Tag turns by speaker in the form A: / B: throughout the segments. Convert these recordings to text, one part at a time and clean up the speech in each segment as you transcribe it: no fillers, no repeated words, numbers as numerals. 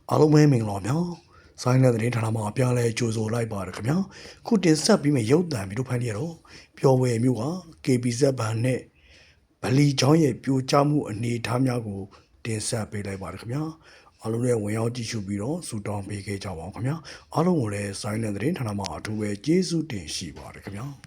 A: အားလုံးပဲမင်္ဂလာပါဆိုင်းတဲ့တဲ့ဌာနမှာအပြားလဲကြိုဆိုလိုက်ပါရခင်ဗျာခုတင်ဆက်ပြီးမဲ့ရုပ်တံပြီးတို့ဖိုင်ရတော့ပျော်ဝယ်မျိုးက KBZ ဘန်နဲ့ဗလီချောင်းရဲ့ပြိုကျမှုအနေအထားများကိုတင်ဆက်ပေးလိုက်ပါရခင်ဗျာအားလုံးလည်းဝင်ရောက်ကြည့်ရှုပြီးတော့စူတောင်းပေးခဲ့ကြပါအောင်ခင်ဗျာအားလုံးကိုလည်းဆိုင်းတဲ့တဲ့ဌာနမှာအထူးပဲကျေးဇူးတင်ရှိပါရခင်ဗျာ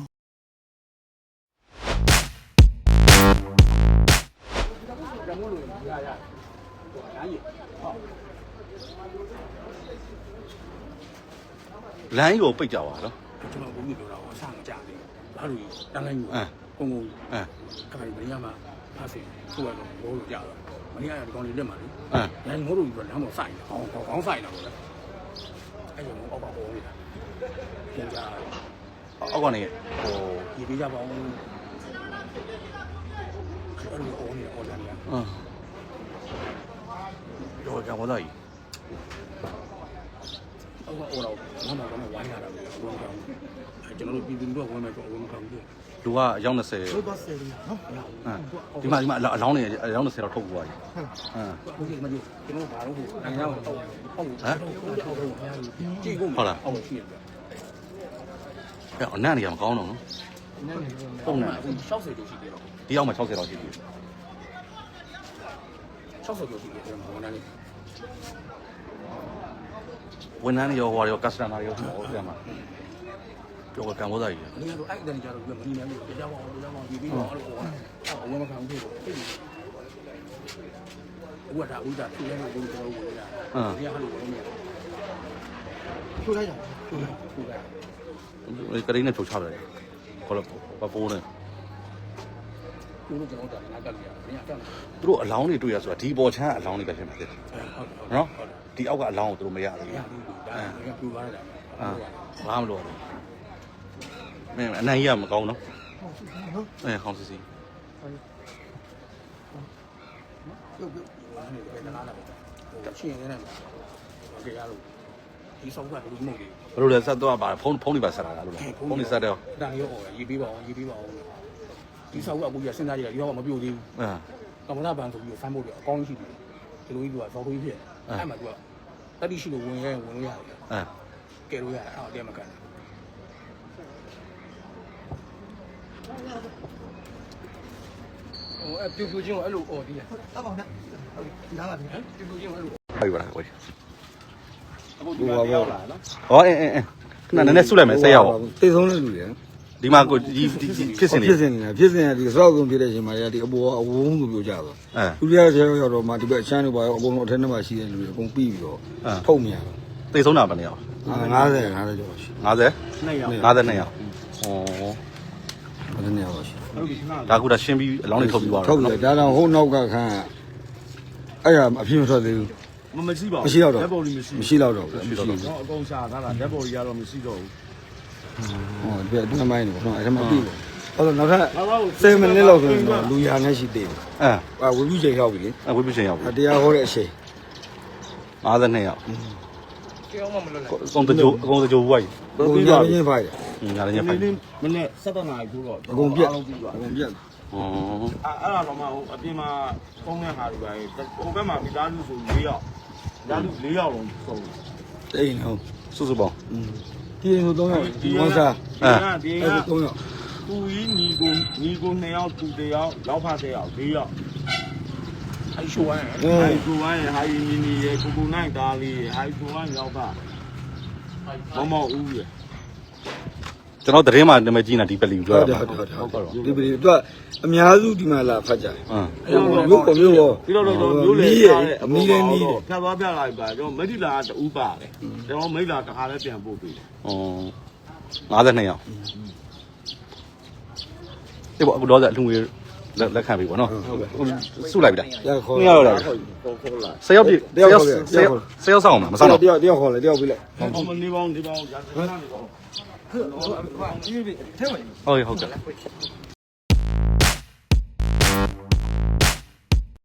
B: လမ်းကိုပိတ်ကြပါတော့
C: ကျွန်တော်ဘုံမျိုးပြောတာကိုအဆမကြသေးဘူးဘာလို့တန်းလိုက်ကိုကုန်းခါရီမင်းရမှာဖားစင်သူ့ကတော့ဘောလို့ကြတော့မင်းရဒီကောင်လေးလက်မှာလေလမ်းငိုးလို့ပြီးတော့လမ်းပေါ်ဆိုင်တယ်ခေါင်းဆိုင်တာပေါ့လေအဲ့ကြောင့်အောက်ကပေါ်နေတာပြန်ကြ
B: အောက်ကနေဟို
C: ဒီပေးကြပါဦးအဲ့လိုအော်နေအော်တယ်
B: တော့ကံပေါ်သားကြီး
C: အော်တော့မမကတော့ဝိုင်းလာတာပဲဘုံကောင်ကျွန်တော်တို့ပြည်သူတို့ဝင်မယ်တော့ဘုံကောင်ကြီး
B: လူကအယောက်20
C: ဟုတ်ပါစေနော်
B: ဒီမှာအလောင်းနေအယောက်20တော့ထုတ်သွားပြီ
C: ဟုတ်ကဲ့မကြီးကျွန်တော်ဘာလို့ဟိုနိုင်ငံကိုတော့ဟုတ်ကြည့်ကုန်
B: ဟုတ်လား
C: အောက်ရှိရပြ
B: အဲ့အနံ့တွေကမကောင်းတော့နော်
C: ပုံမှန်60ကျော်ရှိတယ်တော့
B: ဒီအောက်မှာ60လောက်ရှိပြီ
C: 60ကျော်ရှိတယ်ကျွန်တော်ဝန်ထမ်းလေး
B: ဝန်ထမ်းရောဟိုရောကစတမာရောဟိုပြန်မှာပြောကံပေါ်သားကြီး
C: အင်းတော့အဲ့တန်ကြတော့ပြမနေနိုင်ဘူးကြားပါအောင်ဒီပြီးတော့အဲ့လိုဟောအဝမခံဘူးပေါ့ဥဒါဥဒါသူလည်းဘုံတော်ဝင်လာဒီဟာလို့ဝင်နေထိုးလိုက်တာထိုးလိုက်က
B: ရိန်းနဲ့ဖြုတ်ချတယ်ခေါ်လို့ပပိုးနေ
C: သူတို့ကျွန်တော်တာနားကလေးရတယ်ညတက်
B: သူတို့အလောင်းတွေတွေ့ရဆိုတာဒီပေါ်ချမ်းအလောင်းတွေပဲဖြစ်မှာတဲ့နော်ဒီအောက်ကအလောင်းကိုသူတို့မရဘူး
C: ဒါကပြူသွားတာ
B: ဘာမှမလုပ်ဘူးမင်းအနိုင်ရမကောင်းနော်အဲခေါင်းစီစီ
C: ပြုတ်ပြုတ်နေတယ်တလားလာပဲချင်းနေတယ်โอเคရလို့ဒီဆောက်ကဘယ်လိုမှုတ်
B: လဲဘယ်လိုလဲဆက်တော့ပါဖုန်းတွေပါဆက်လာတာလို့လားဖုန်းတွေဆက်တော့
C: ဒါရောရေးပေးပါအောင်ဒီဆောက်ကအခုရစဉ်းစားကြည့်တာဒီတော့မပြုတ်သေးဘူးကမ္ဘာဘန်ဆိုပြီးဖမ်းဖို့အကောင်းရှိတယ်ဒီလိုကြီးကဇော်ခွေးဖြစ်အဲ့မှာသူကတတိရှိလို့ဝင်လို့ရတယ်ကဲလို့ရတယ်အဲ့တော့တဲမကန်အဲ့ပြူချင်းကိုအဲ့လိုအော်ဒီရတောက်ပါနဲ့ဒီလားပါဗျာပြူချင်းကိုအဲ့လို
B: ဟုတ်ပါလားကိုအခုဒီမှာရောက်လာနော်ဟောခဏနည်းနည်းဆုလိုက်မယ်ဆက်ရအောင်
D: တိတ်ဆုံးတဲ့လူတွေ
B: ဒီမှာကိုဒီဖြစ်စဉ်
D: ဒီစောက်ကုန်ဖြစ်တဲ့အချိန်မှာဒီအပေါ်အဝုန်းကိုပြောကြတော့လူတွေကရောက်တော့မှဒီဘက်အချမ်းတွေပါရောအကုန်လုံးအထက်ထဲမှာရှိတဲ့လူတွေအကုန်ပြီးပြီးတော့ထုတ်မြင်တော့
B: တိတ်ဆုံးတာပဲနေအောင်
D: 50ကျော်ရှိ
B: 52ရောက်ဟော
D: 52ရောက်ရှိ
B: ဒါကူတာရှင်းပြီးအလောင်းတွေထုတ်ပြီးသွား
D: တော့ထုတ်တယ်ဒါတော့ဟိုနောက်ကခန်းအဲ့ဒါအပြည့်မထွက်သေးဘူး
E: မရှိပါဘူး
D: မရှိတော့
E: dead body
D: မရှိတော့တော့မရှိတော့
E: တော့အကုန်ရှာထားတာ dead body ကတော့မရှိတော့ဘူး
D: ဟောဒီအတွင်းမိုင်းနေပေါ့နော်အဲ့ဒါမှပြီးတယ်အဲ့တော့နောက်ထပ်7မိနစ်လောက်ဆိုရင်တော့လူရာနဲ့ရှိသေးတယ်ဝေပြုချိန်ရောက်ပြီလေ
B: ဝေပြုချိန်ရောက်ပြီ
D: တရားဟောတဲ့အချိန်
B: 52ရောက်
C: ကြောက်မှမလွတ်လိုက်
B: အကုန်တကြိုဝိုက်
D: ပြီးပါပြီဖိုက်
B: ညာလည်းဖိုက်
E: မနေ့7နာရီထိုးတော့
D: အကုန်ပြတ်ဩ
E: အဲ့ဒါတော့မှဟိုအပြင်မှာပုံနဲ့ဟာတွေပါဟိုဘက်မှာမိသားစုဆို4ယောက်မိသားစု4ယောက်လုံးဆုံး
D: တိတ်ဟုတ်
B: စုစုပေါင်း
D: ဒီလို3ယောက်ဝန်စား
E: ဒီက
D: 3ယောက်
E: သူကြီးညီကို2ယောက်သူ1ယောက်လောက်ဖတ်1ယောက်4ယောက်
C: အဲ့ရှိုးဝိုင်း
E: ဟာယီမီနီရဲ့ကိုနိုင်သားလေးရဲ့ဟာယီကိုဝိုင်းရောက်ပါမောက်ဦးရဲ့
B: ကျွန်တော်သတင်းမှာနာမည်ကြီးနေတာဒီပလီကိုပြောတာ
D: ဟုတ်ဒီပလီသူကအများစုဒီမှာလာဖတ်ကြတယ်မျိုးရော
E: ပြီးတော့မျိုးလေအမီးလည်းနီးတယ်ဖြတ်သွားပြလိုက်ပါကျွန်တော်မိတ်လာတူပါတယ်ကျွန်တော်မိတ်လာတစ်ခါလည်းပြန်ပို့ပေးတယ်
B: 52ရောက်ဒီပေါ့အခုတော့အလှငွေလက်ခံပြီပေါ့နော်စုလိုက်ပြီလား
D: ခေါ်
B: ရတော့လား
E: ခေါ်လာ
B: 10ယောက်ပြည့်10ယောက်ဆောင်မှာမဆောင်တော့
D: တယောက်ခေါ်လေတယောက်ပြီးလိုက်
E: နေပေါင်းရာသနာနေပေါင်း
B: ဟုတ်ကဲ့